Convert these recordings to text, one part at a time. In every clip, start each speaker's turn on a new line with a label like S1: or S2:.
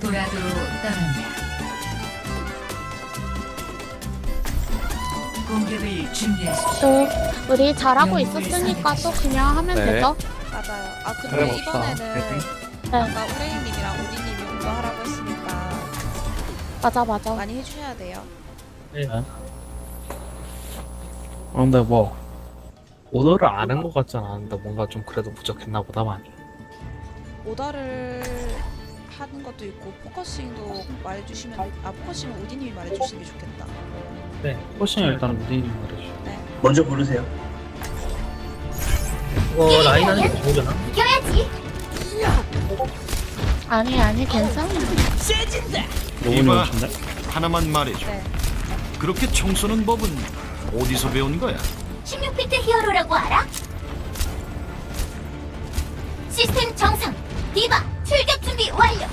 S1: 도라도로 떠난다. 공격을 준비하십시오.
S2: 또 우리 잘하고 있었으니까 또 그냥 하면
S3: 네.
S2: 되죠.
S4: 맞아요. 아 근데
S3: 그래,
S4: 이번에는
S2: 네.
S4: 아까 우레이님이랑 오디님이 운동 하라고 했으니까
S2: 맞아.
S4: 많이 해주셔야 돼요.
S3: 근데 뭐 오더를 안 한 것 같진 않은데 뭔가 좀 그래도 부족했나 보다 많이.
S4: 오더를 하는 것도 있고 포커싱도 말해주시면 포커싱은 오디님이 말해주시는 게 좋겠다.
S3: 네. 포싱 일단 무딘이 말해줘.
S4: 네.
S5: 먼저 부르세요.
S3: 이거 라인 하는 게 좋으려나?
S2: 아니 괜찮아.
S3: 너무
S6: 이봐,
S3: 좋은데?
S6: 하나만 말해줘.
S4: 네.
S6: 그렇게 청소는 법은 어디서 배운 거야?
S7: 16비트 히어로라고 알아? 시스템 정상. 디바 출격 준비 완료.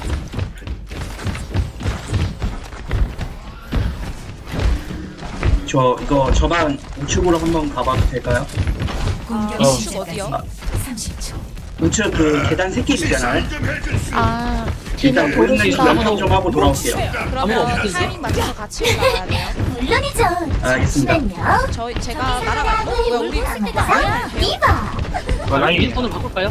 S5: 저 이거 저만 우측으로 한번 가봐도 될까요?
S1: 공격
S4: 우측 어디요?
S1: 30초.
S5: 우측 그 계단 새끼 있잖아요.
S2: 아
S5: 일단
S2: 뒤는
S5: 보이는
S2: 고르시다.
S5: 연습 좀 하고 돌아올게요.
S4: 그러면 타이밍 맞춰서 같이 올라가야 돼요.
S7: 물론이죠.
S5: 알겠습니다.
S7: 잠시만요.
S4: 제가 날아갈 거? 왜 우리
S7: 아, 디바.
S3: 라인 윈스턴을 바꿀까요?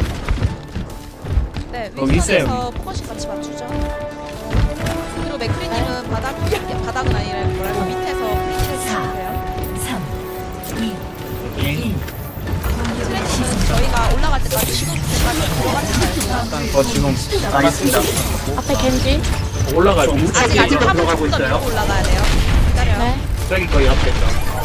S4: 네,
S3: 윈스턴.
S4: 윈스턴에서 포커싱 같이 맞추죠. 그리고 맥크리님은 바닥은 아니라 뭐랄까 밑에서 프리즈를 해주시면 돼요.
S1: 3, 2, 1.
S4: 트레이닝은 저희가 올라갈 때까지 시도 때까지 들어가지 말고
S3: 지금
S5: 알겠습니다.
S2: 앞에 겐지.
S3: 올라가요.
S5: 저 우측
S4: 아직
S5: 위로
S4: 한번
S5: 들어가고
S4: 좀더
S5: 있어요.
S4: 밀고 올라가야 돼요. 기다려요.
S2: 네.
S3: 저기 거의 앞에 있다.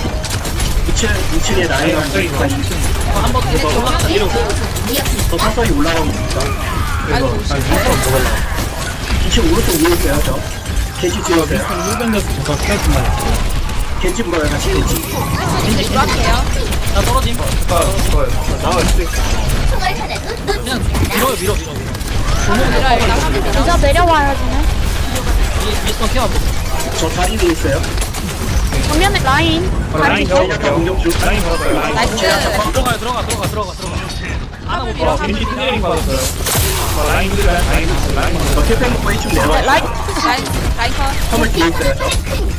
S5: 2층에 라인이
S3: 저기
S5: 있으니까
S3: 한번 더 올라가. 이러고.
S5: 더 서서히 올라가고 있습니다.
S4: 아이고,
S3: 아니, 윈스턴 더 올라가.
S5: 2층 오른쪽 위에 있어요, 저. 겐지 찍어세요.
S3: 윈스턴 1변에서 잠깐 스타일만 해.
S5: 겐지 물어요, 같이 겐지.
S4: 윈스턴이 들어갈게요.
S3: 나 떨어짐. 나와 있을
S7: 총알 하나도 놓치지 않아.
S3: 밀어.
S4: 밀어요. 일단 밀어.
S2: 진짜 내려와야지네.
S3: 윈스턴 케어.
S5: 저 다리 위에 있어요.
S2: 정면에 라인.
S3: 라인
S2: 다리
S5: 제냐타 공격 중.
S3: 라인 걸었어요. 라인.
S4: 나이스.
S3: 들어가. 하나 못 봐. 겐지 트레이닝 받았어요. 라인.
S5: 저 킬팩 먹고 1층 내려와요.
S2: 라인.
S4: 라인 컷.
S5: 화물 뒤에 있어요, 저.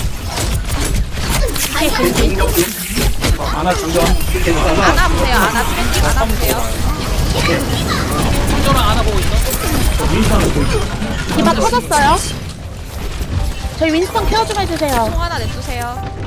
S5: 겐지 공격 중.
S3: 하나 중전.
S5: 겐지 하나.
S4: 안아 보세요. 안아 트레이닝 안아 보세요.
S3: 중전랑 하나 보고 있어. 윈스턴 보고 있어.
S2: 디바 터졌어요. 저희 윈스턴 케어 좀 해주세요.
S4: 총 하나 냅두세요.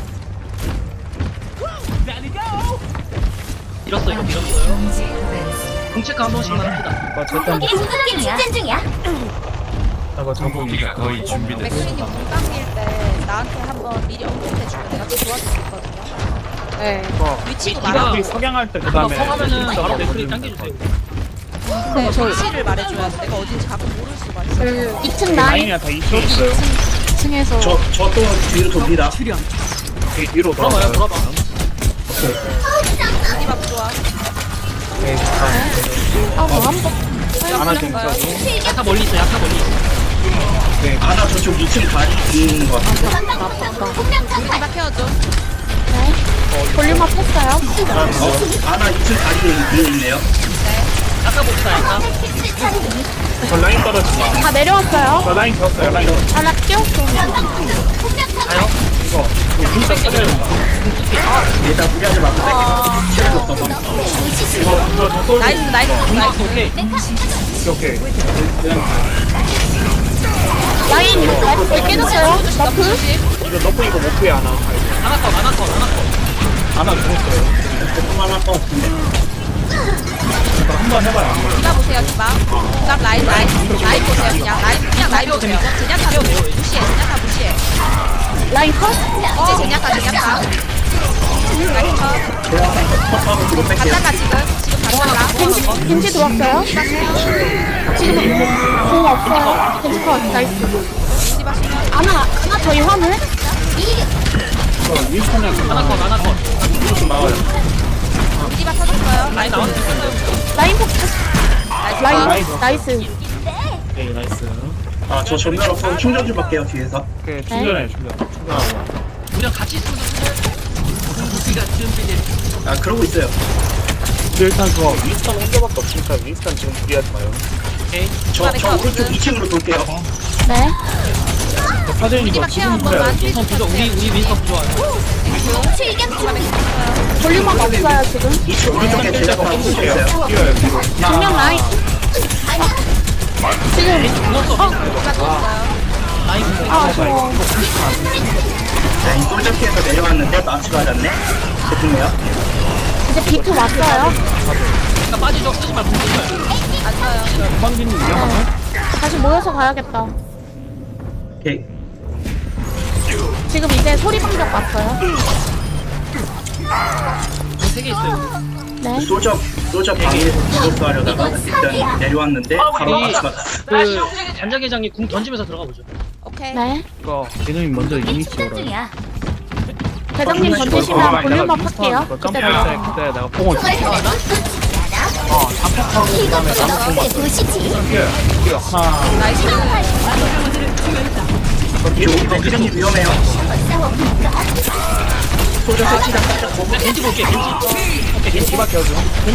S3: 밀었어 이거 밀었어요.
S1: 경제 밴스.
S3: 공체크 한 번씩만 합시다.
S7: 거기 공격기 직전 중이야.
S3: 저거
S6: 무기가 거의 준비됐어.
S4: 맥크리님 공 당길 때 나한테 한번 미리 언급해주면 내가 좀 도와줄 수 있거든요. 네. 위치도 말하고.
S3: 이가 석양할 때 그다음에 성하면은 바로 맥크리 당겨주세요.
S4: 네, 위치를 말해줘야 돼. 내가 어딘지 가끔 모를 수가 있어.
S2: 2층 라인.
S3: 다 2층 있어요.
S2: 2층에서.
S5: 저 또 뒤로 돕니다.
S3: 뒤로 돌아봐요.
S4: 디바 부좋아.
S2: 한 번.
S3: 하나 좀 있어. 약간 멀리 있어.
S5: 아나 저쪽 2층 다리 뒤에 있는 것 같아요.
S4: 디바 케어줘.
S2: 네. 볼륨 업 했어요.
S5: 아나 2층 다리 뒤에 있네요.
S3: 약간 봅시다. 약간. 저 라인 떨어진다.
S2: 다 내려왔어요.
S3: 저 라인 졌어요. 라인.
S2: 하나 끼웠어.
S3: 가요. 이거 진짜 써야 된다.
S5: 일단 무리하지 마고 땡겨. 체력 없어서.
S3: 이거 저 솔.
S4: 나이스.
S3: 오케이. 오케이.
S2: 라인 나이스 깨졌어요. 너프.
S3: 이거 너프 이거 못 피해 하나. 하나 컷. 하나 죽었어요.
S5: 조금 하나 더 없는데.
S3: 한번 해봐요.
S4: 디바 보세요, 디바. 그다음 라인 보세요. 그냥 라인 보세요. 제냐타 무시해.
S2: 라인 컷.
S4: 이제 제냐타. 라인 컷.
S5: 컷하고 뒤로 뺄게요.
S4: 간단가 지금 간단가.
S2: 겐지 들어왔어요. 지금 공 없어요. 겐지 컷. 나이스.
S4: 디바 수면.
S2: 하나 저희 화물.
S3: 윈스턴이랑 하나 컷. 이거 좀 나와요.
S4: 디바 터졌어요. 라인 나왔어.
S2: 라인 폭. 라인
S3: 나이스.
S2: 나이스.
S3: 오케이 나이스.
S5: 아, 저 전멸 없어 충전 좀 할게요, 뒤에서.
S3: 오케이 충전하고. 우리랑 같이 있으면 우리가 준비돼.
S5: 아, 그러고 있어요.
S3: 일단 저 윈스턴 혼자밖에 없으니까 윈스턴 지금 무리하지 마요. 오케이.
S5: 저 오른쪽 2층으로 돌게요.
S2: 네.
S3: 사진이 이거
S4: 우리만 케어 한
S3: 지금
S4: 번만.
S3: 그래.
S4: 윈스턴 부조. 우리 윈스턴 부조하요.
S2: 볼륨업 없어요, 지금.
S5: 오른쪽에 제가 하고 있어요.
S2: 정면 라인. 지금. 아쉬워.
S5: 라인 솔저피에서 내려왔는데 마치 맞았네. 죄송해요.
S2: 이제 비트 왔어요.
S4: 빠지죠. 쓰지 말고 붙어요. 안 써요.
S3: 황진이 위험하네.
S2: 다시 모여서 가야겠다.
S5: 오케이.
S2: 지금 이제 소리 방벽 왔어요.
S4: 세개 있어요.
S2: 네.
S5: 솔저 방에서 디버스 하려다가 일단 내려왔는데 바로 마치 맞았어.
S8: 그 단장회장이 궁 던지면서 들어가 보죠.
S4: 오케이.
S2: 네.
S3: 이거 개념이 먼저 이미
S1: 충전
S3: 키워라.
S1: 중이야.
S2: 대장님 던지시면 볼륨업 할게요. 그때
S3: 점프할
S2: 들어가.
S3: 때 그때 내가 뽕을 줄게.
S7: 이것도 보시지.
S3: 이게 하나.
S4: 나이스.
S5: 여기 맥주장님 위험해요.
S8: 겐지 볼게, 겐지. 오케이, 겐지.
S3: 디바 켜줘.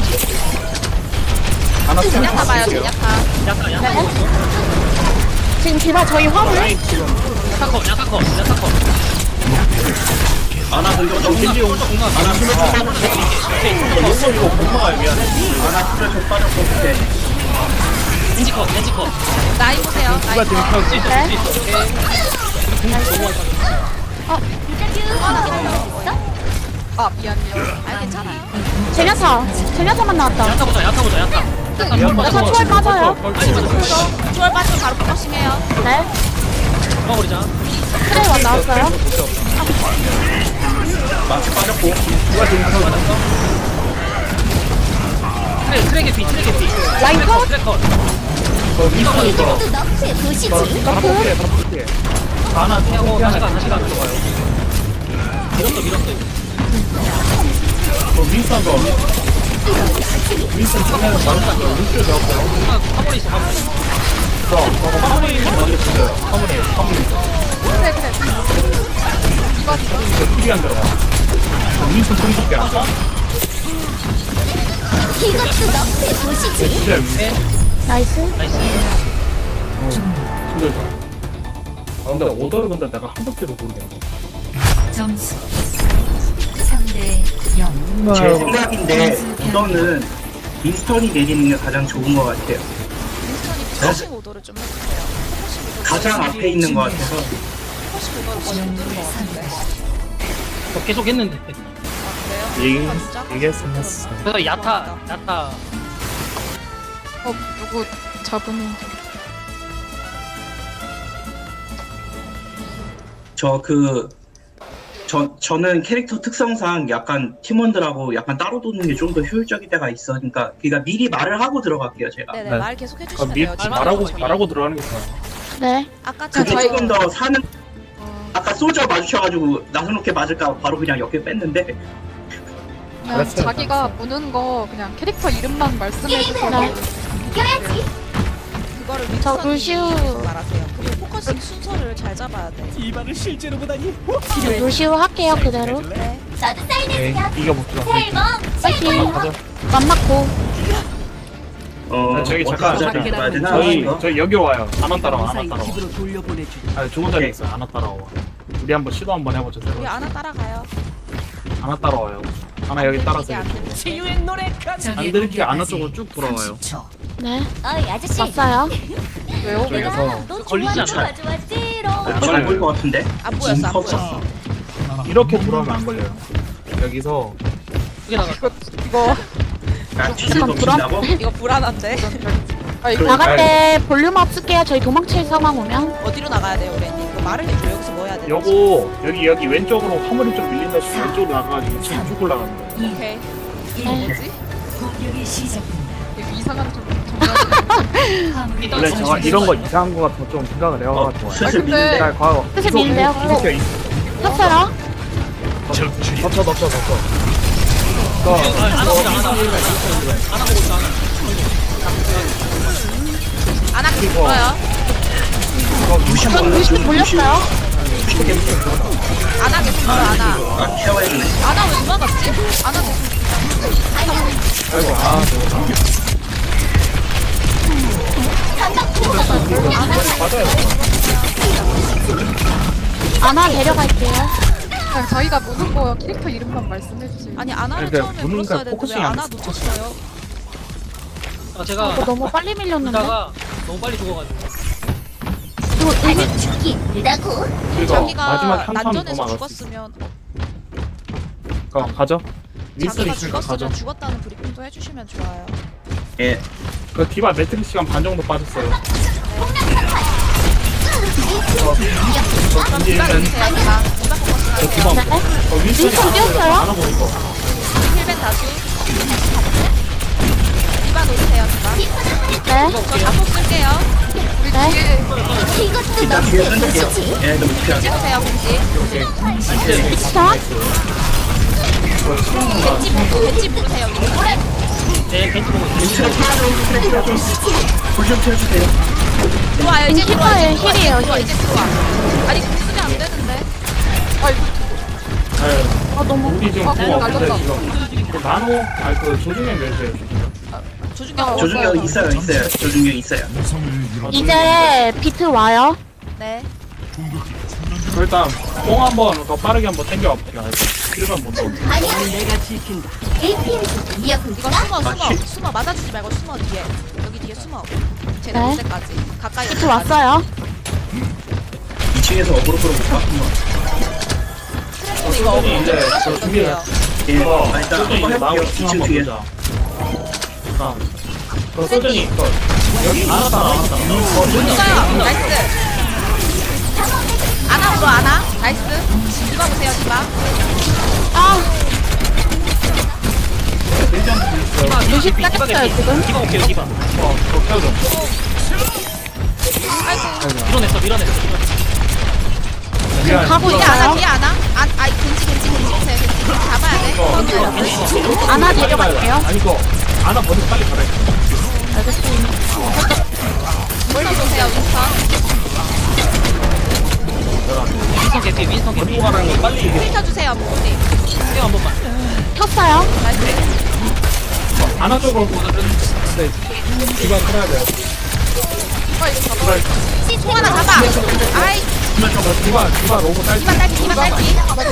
S3: 하나
S4: 야타 봐요. 야타.
S8: 약간, 약간.
S2: 네. 지금 디바 저희 화물.
S8: 약간 약간.
S5: 아나 공격 좀
S8: 겐지 오른쪽 공간.
S5: 아나 수면 좀 빠졌어.
S3: 이거 공마가 미안해.
S5: 아나 수면 좀 빠졌고 오케이.
S8: 겐지 컷.
S4: 라인 보세요.
S3: 디바
S4: 라인.
S3: 지금 켜지.
S2: 네.
S4: 아 미안해요. 아 괜찮아요.
S2: 제냐타만 나왔다.
S8: 야타 보자.
S2: 야타 초월 빠져요.
S4: 초월 빠지면 바로 포커싱해요.
S2: 네.
S8: 막아버리자.
S2: 트레이원 나왔어요.
S5: 마치 빠졌고.
S8: 트랙 개피.
S2: 라인 컷.
S8: 트랙 컷.
S7: 이것도 너프에 보시지.
S2: 너프.
S8: 하나 태하고 다시 가 들어가요. 밀었어.
S3: 윈스턴 거. 윈스턴 전에는 많았어. 윈스턴 잡았어요.
S8: 화물에 있어.
S3: 화물이 먼저 죽여요. 화물에.
S4: 그래.
S3: 이거 필이 안 들어가. 윈스턴 소리 듣게 안 돼.
S7: 이것도 너프에 보시지.
S3: 진짜 윈스턴.
S2: 나이스.
S3: 힘들다. 아 근데 오더를 근데 내가 한 번째로 모르겠네.
S1: 점수 3대 0.
S5: 제 생각인데 이거는 윈스턴이 내리는 게 가장 좋은 것 같아요.
S4: 윈스턴이 포커싱 오더를 좀 해주세요. 포커싱 오더.
S5: 가장 앞에 있는 것 같아서.
S4: 포커싱 오더를 거의 못 들은 것 같은데.
S8: 계속 했는데.
S4: 아 그래요? 아, 진짜?
S3: 얘기했어.
S8: 그래서 야타.
S2: 누구 저분이.
S5: 저는 캐릭터 특성상 약간 팀원들하고 약간 따로 도는 게 좀 더 효율적일 때가 있으니까 그러니까 미리 말을 하고 들어갈게요 제가.
S4: 네네
S3: 네.
S4: 말 계속
S3: 아,
S4: 해주시면 돼요.
S3: 말하고 들어가는 게 좋아요.
S2: 네.
S4: 아까
S5: 그게
S4: 저희
S5: 조금 더 사는. 아까 소저 마주쳐가지고 나서놓게 맞을까 바로 그냥 옆에 뺐는데.
S9: 그냥
S3: 알았어요.
S9: 자기가 무는 거 그냥 캐릭터 이름만 말씀해주세요.
S7: 이겨야지.
S4: 그거를
S2: 저
S4: 윈스턴이
S2: 루시우.
S4: 말하세요. 그리고 포커싱 순서를 잘 잡아야 돼.
S2: 루시우 할게요, 그대로.
S4: 네.
S7: 나도
S3: 네,
S7: 사인해주세요.
S3: 이겨봅시다.
S7: 셀범
S2: 파이팅.
S3: 가자.
S2: 맘 맞고.
S3: 저기 잠깐
S5: 어떻게 가야 되나?
S3: 저희 여기 와요. 안와 따라와. 아니 좋은 자리 있어요. 안와 따라와. 우리 한번 시도 한번 해보죠. 새로.
S4: 우리 아나 따라가요.
S3: 안와 따라와요. 하나 여기 따라서
S4: 안
S3: 이쪽으로.
S4: 돼.
S3: 안 들게 안와 쪽으로 쭉 돌아와요.
S1: 30초.
S2: 네.
S7: 어이 아저씨.
S2: 왔어요.
S9: 왜요?
S3: 저기서
S7: 너
S8: 걸리지 않아요.
S7: 좋아 찌롱.
S5: 안 보일 것 같은데.
S4: 안 보였어. 안 보였어.
S3: 이렇게 돌아오면 안 걸려요. 여기서
S8: 크게 나가.
S9: 이거
S5: 야 뒤로 넘긴다고?
S4: 이거 불안한데.
S9: 아 이거
S2: 나갈 때 볼륨업 쓸게요. 저희 도망칠 상황 오면.
S4: 어디로 나가야 돼요, 우리? 이거 말을 해줘. 여기서 뭐 해야 돼?
S3: 여기 왼쪽으로 화물이 좀 밀린다 싶으면 왼쪽으로 나가가지고 지금 쭉 올라가는 거예요.
S4: 오케이.
S2: 네.
S9: 뭐지?
S1: 공격이 시작됩니다.
S9: 이거 이상한 좀
S1: 화물이
S3: 원래 제가 이런 거 이상한 거 같은 거 좀 생각을 해와가지고 좋아요.
S5: 슬슬
S9: 근데-
S5: 미는데.
S3: 잘 과거.
S2: 슬슬 밀린대요. 샀어요.
S3: 덮쳐.
S8: 안 하고 있다.
S4: 아나 계속 불어요.
S2: 전 루시우 돌렸어요.
S4: 아나 계속 불어, 아나.
S5: 아 케어해주네.
S4: 아나 왜 도망갔지? 아나 계속.
S3: 아이고 저거.
S7: 전방 보호막.
S3: 맞아요.
S2: 아나 데려갈게요.
S9: 그냥 자기가 무는 거 캐릭터 이름만 말씀해주세요.
S4: 아니 아나를
S3: 그러니까
S4: 처음에
S3: 무는
S4: 불렀어야
S3: 거
S4: 되는데
S3: 포커싱이
S4: 왜
S3: 안
S4: 아나
S3: 됐어.
S4: 놓쳤어요?
S8: 제가
S2: 이거 너무 빨리 밀렸는데.
S8: 이따가 너무 빨리 죽어가지고.
S7: 또 아직 죽기 있다고.
S3: 그리고
S4: 자기가
S3: 마지막 한판 더
S4: 난전에서
S3: 막았어.
S4: 죽었으면
S3: 가죠. 윈스턴
S4: 자기가
S3: 있으니까 가죠.
S4: 죽었으면 죽었다는 브리핑도 해주시면 좋아요.
S5: 예.
S3: 그 디바 매트릭 시간 반 정도 빠졌어요.
S4: 그럼 디바 누르세요. 디바 포커싱
S3: 저
S4: 하세요.
S3: 디바 윈스턴이
S2: 윈스턴 뛰었어요?
S3: 안 하고 이거.
S4: 힐벤 다수. 디바 노리세요. 디바.
S2: 네.
S4: 저 자폭 쓸게요.
S2: 네.
S7: 이것도
S5: 일단
S7: 너무
S5: 뒤에 던질게요.
S7: 보시지.
S5: 얘네들 못 피하게.
S4: 찍으세요 공지.
S2: 스타.
S4: 벤치 부르세요.
S8: 네, 벤치 보고 있어요.
S5: 불좀 튀어주세요.
S4: 들어와요. 이제 들어와.
S2: 힐이에요,
S4: 이제
S2: 힐이에요,
S4: 들어와.
S2: 힐.
S4: 이제 들어와. 아니 공수는 안 되는데.
S3: 네.
S2: 아 너무.
S3: 우리 지금 그거 없는데
S9: 날렸다.
S3: 지금 그 나노 아니 그 조중에 멸세요.
S4: 조준경
S5: 조준경 있어요. 조준경 있어요.
S2: 이제 비트 와요.
S4: 네.
S3: 일단 뽕 한번 더 빠르게 한번 당겨 봅시다. 1번 못 넣어.
S7: APM 이어폰
S4: 이거 숨어 맞아주지 말고 숨어 뒤에. 여기 뒤에 숨어. 쟤네
S2: 네.
S4: 올 때까지 가까이.
S2: 비트 왔어요.
S5: 2층에서 어그로 끌어볼까?
S4: 트래프는 이거
S3: 소준이 이제 저
S4: 어그로
S3: 준비를
S4: 끌어주세요.
S5: 예. 아, 일단
S3: 소준이
S5: 한번
S3: 나오고
S5: 해볼게요. 2층
S3: 한번
S5: 뒤에.
S3: 보자. 그 소준이 여기 알았다.
S4: 있어요. 나이스. 아나 불어 아나. 나이스. 디바 보세요 디바.
S2: 아
S8: 디바,
S2: 루시
S8: 디바
S2: 닦였어요,
S8: 개피.
S2: 지금.
S8: 디바 올게요, 디바.
S3: 저 켜줘.
S4: 아이고.
S8: 밀어냈어, 밀어냈어.
S2: 지금 가고
S4: 뒤에 아나
S2: 있어요.
S4: 뒤에 아나. 아이 겐지 보세요. 겐지 잡아야 돼.
S2: 아나 데려갈게요.
S3: 아니 이거 아나 먼저 빨리 가라.
S2: 알겠습니다.
S4: 윈스턴 보세요 윈스턴.
S8: 윈스턴 개피, 윈스턴 개피.
S3: 먼저 가라는 거 빨리 얘기해.
S4: 힐 켜주세요 목소리.
S8: 한 번만.
S2: 켰어요.
S4: 나이스.
S3: 아나 쪽으로 네. 디바 끌어야 돼요.
S4: 통 하나 잡아. 아이
S3: 디바 로고 딸기.
S4: 디바 딸기 디바 딸기.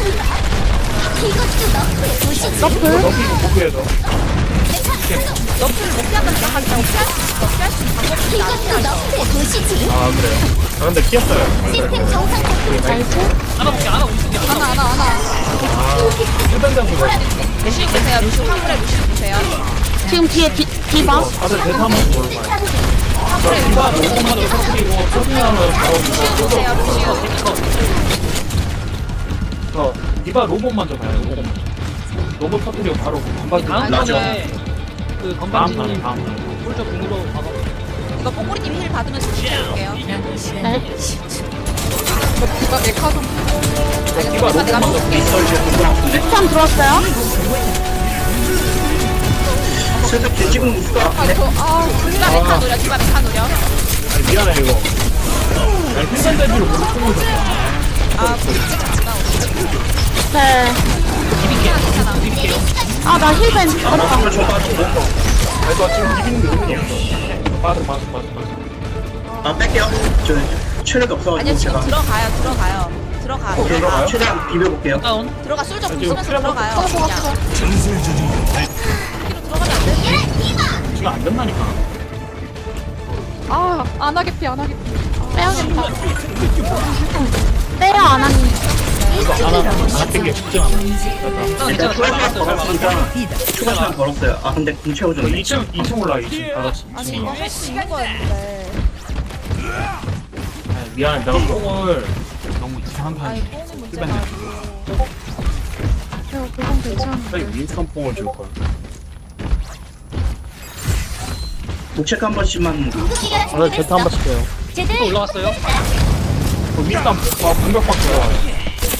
S7: 이것도 너무 보시지.
S2: 너플.
S3: 너기 복구해줘.
S4: 너프를 못 피한다 생각하지 말고 피할 수 있는 방법이 있다.
S7: 이것도 너무 보시지.
S3: 아 그래요. 아 근데 피했어요.
S7: 시스템 정상 작동.
S2: 나이스.
S8: 하나 볼게, 하나 오른쪽에.
S9: 하나.
S3: 일반 장소가
S4: 루시우 보세요. 루시우 화물에 루시우 보세요.
S2: 지금 뒤에 디바.
S3: 다들 대사 한번 보는 거야.
S4: 화물에
S3: 디바 로고만 터뜨리고 소중하면 바로
S4: 루시우 보세요. 루시우.
S3: 저 디바 로봇 먼저 가요. 로봇 먼저. 로봇 터뜨리고 바로 건반
S8: 다음
S5: 맞아.
S8: 번에 그
S3: 다음
S8: 건반지님
S3: 다음.
S8: 홀저 궁으로 가봐.
S4: 이거 뽀꼬리님 힐 받으면서 루시해볼게요.
S1: 남은 시간
S2: 네.
S1: 10초.
S9: 디바 에카 좀.
S3: 디바 로봇
S4: 내가
S3: 먼저.
S4: 볼게.
S5: 미스터 이제 공부 아픈데?
S2: 스탄 들어왔어요.
S5: 슬쩍 개지금 있을 것 같은데?
S4: 디바 메카 노려. 디바 메카 노려.
S3: 아니 미안해 이거. 아니 필살 대비로 못 쓰고 있어.
S4: 아 진짜 같이가.
S2: 네.
S4: 괜찮아.
S2: 아 나 힐벤.
S5: 아, 나 정말 좀 빠지고.
S3: 아니 너 지금 비비는 게 의미 없어. 빠져.
S5: 아, 뺄게요. 저 체력이 없어가지고
S4: 아니요 지금
S5: 제가.
S4: 들어가요. 들어가.
S5: 오케이,
S3: 들어가요?
S5: 최대한 비벼볼게요.
S8: 다운.
S4: 들어가 솔저
S3: 지금
S4: 궁 쓰면서 들어가요. 그냥. 뒤로 들어가면 안 돼.
S3: 지금 안 된다니까.
S9: 안 하겠피.
S2: 빼야겠다. 빼요 아나님.
S3: 이거 안 땡겨 쉽지 않아.
S5: 일단 추가 시간
S8: 잘
S5: 벌었으니까 추가 시간 벌었어요. 아, 근데 궁 채워줬네.
S3: 2층 올라 2층 다 같이.
S4: 아니 이거 할 수 있는 거였는데.
S3: 아니, 미안해 내가 뽕을 너무 이상한 거
S4: 아니
S3: 아니야.
S4: 뽕이 문제가 아니고.
S9: 그건 괜찮아.
S3: 갑자기 윈스턴 뽕을 줄 거야.
S5: 독책 한 번씩만.
S7: 궁극기가 준비됐어.
S3: 해요.
S8: 또
S7: 제들
S8: 올라왔어요.
S3: 윈스턴 공격받고 들어와요.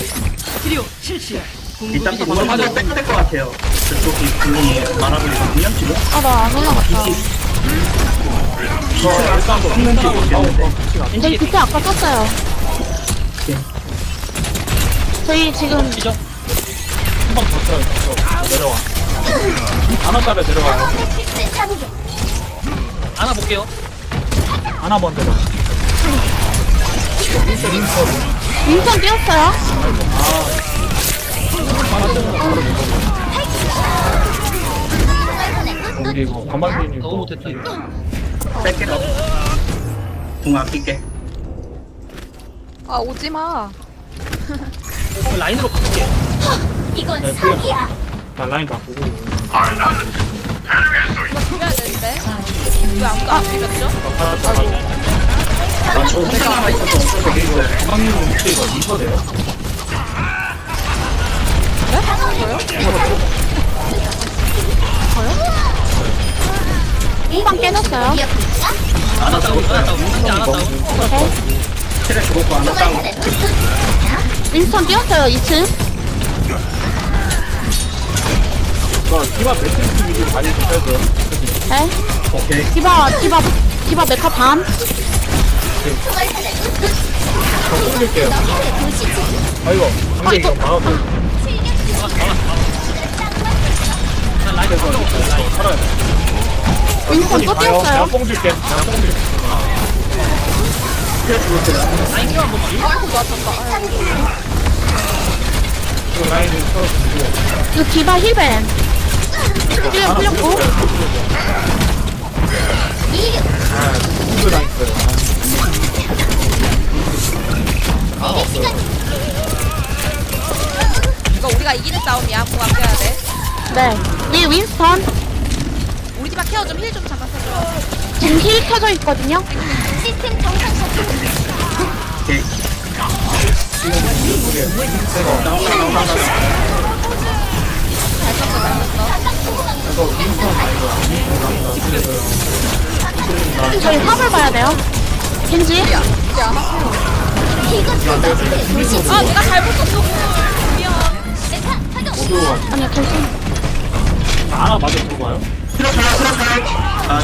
S5: 일단 오늘 한번 빼야 될 것 같아요. 저쪽이 분이 많아보이거든요, 지금.
S2: 아 나 안 올라갔다.
S5: 저 일단 없는지 모르겠는데.
S2: 저희 비트 아까 썼어요. 저희 지금
S8: 시죠?
S3: 한번 더 써요. 내려와. 하나짜리 내려와요.
S8: 하나 볼게요.
S3: 하나 먼저 내려와.
S2: 윈선 뛰었어요.
S3: 우리 이거 반반님
S8: 너무 못했다 이거.
S5: 뺄게. 궁 아낄게.
S9: 아 오지마.
S8: 라인으로 바꿀게.
S7: 이건 사기야.
S3: 나 라인 바꾸고.
S4: 이거 비벼야 되는데. 왜안 비볐죠?
S5: 나저 혼자 남아 있어서 없어서 되게 좋아요.
S3: 반반님 목소리가 인터돼요?
S2: 후방 깨졌어요.
S8: 안 왔다고 진짜 안 왔다고.
S5: 체력 죽었고 안 왔다고.
S2: 윈선 뛰었어요. 2층.
S3: 디바 매트리스 위주 많이 좀 빼줘요.
S2: 네.
S5: 오케이.
S2: 디바 메카 반.
S3: 저 옮길게요. 아이고, 근데 이거 막아보.
S8: 난 라인 바꾸고 있어. 라인.
S3: 살아야 돼.
S2: 윈선 또 뛰었어요.
S3: 내가 뽕 줄게. 내가 뽕 줄게.
S5: 체력 죽었어요.
S8: 라인 켜 한번 봐.
S3: 이거 라인을 쳐주고.
S2: 이거 디바 힐벤. 풀렸고.
S3: 아, 누구 당했어요.
S4: 이거 우리가 이기는 싸움이야. 공 아껴야 돼.
S2: 네. 위 윈스턴.
S4: 우리 집안 케어 좀 힐 좀 잠깐 해줘.
S2: 지금 힐 켜져 있거든요.
S7: 시스템 정상 작동.
S5: 오케이. 나온다.
S4: 잘 썼어.
S2: 저희 화물 봐야 돼요. 겐지.
S4: 아 내가 잘못 썼어. 미안.
S2: 아니요, 겐지.
S3: 하나 맞아 들고 와요?
S5: 들어가요. 아,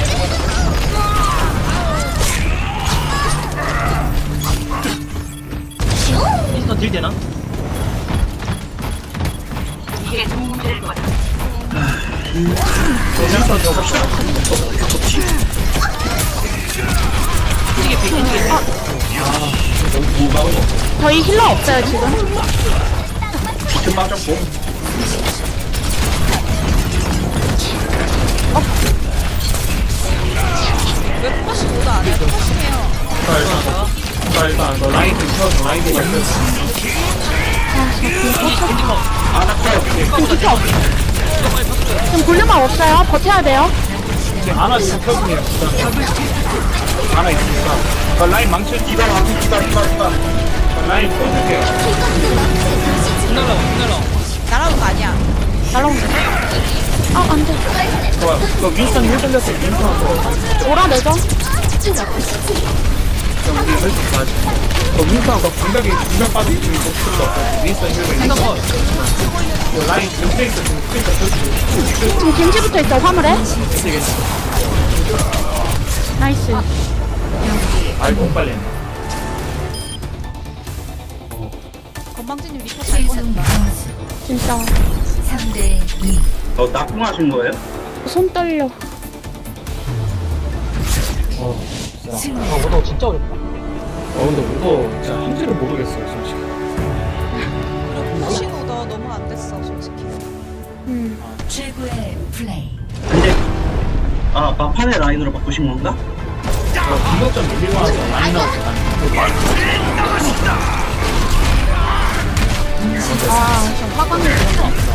S8: 인스턴 딜 되나?
S2: 저희 힐러 없어요, 지금.
S5: 비트 빠졌고.
S4: 왜 포커싱 모드 안 해? 포커싱해요.
S3: 일단 너 라인 좀 쳐줘. 라인 좀 쳐줘.
S5: 아나 커요.
S2: 지금 비트 없. 지금 볼륨만 없어요. 버텨야 돼요.
S3: 하나 지금 켜주네요. 하나 있으니까. 라인 망쳐.
S5: 디바.
S3: 라인 쳐줄게요.
S8: 끝날라고.
S4: 날아온 거 아니야.
S2: 날라온다. 아, 안 돼.
S3: 좋아요. 너 윈스턴 힐 돌렸어. 윈스턴 거.
S2: 몰아내죠.
S3: 우리 할수 있어. 너 윈스턴 너 공격이 공격 빠져 있으면 더 필요도 없어. 윈스턴 힐 돌렸어. 라인 스페이스 지금 스페이스 켜주고.
S2: 지금 겐지부터 있어, 화물에. 나이스.
S3: 아이고 못 빨리 했네.
S4: 건방지님 리포 잘
S1: 최종
S4: 꺼냈다.
S1: 점수
S2: 진짜.
S1: 3대 2.
S5: 낙궁하신 거예요?
S2: 손 떨려.
S1: 승리.
S8: 오더 진짜 어렵다.
S3: 근데 이거 진짜 한지를 모르겠어요 솔직히.
S4: 포커싱 오더 너무 안 됐어 솔직히.
S1: 최고의 플레이.
S5: 근데 막판에 라인으로 바꾸신 건가?
S3: 공격점 밀리고 나서 라인 나왔어.
S2: 아, 저 화관이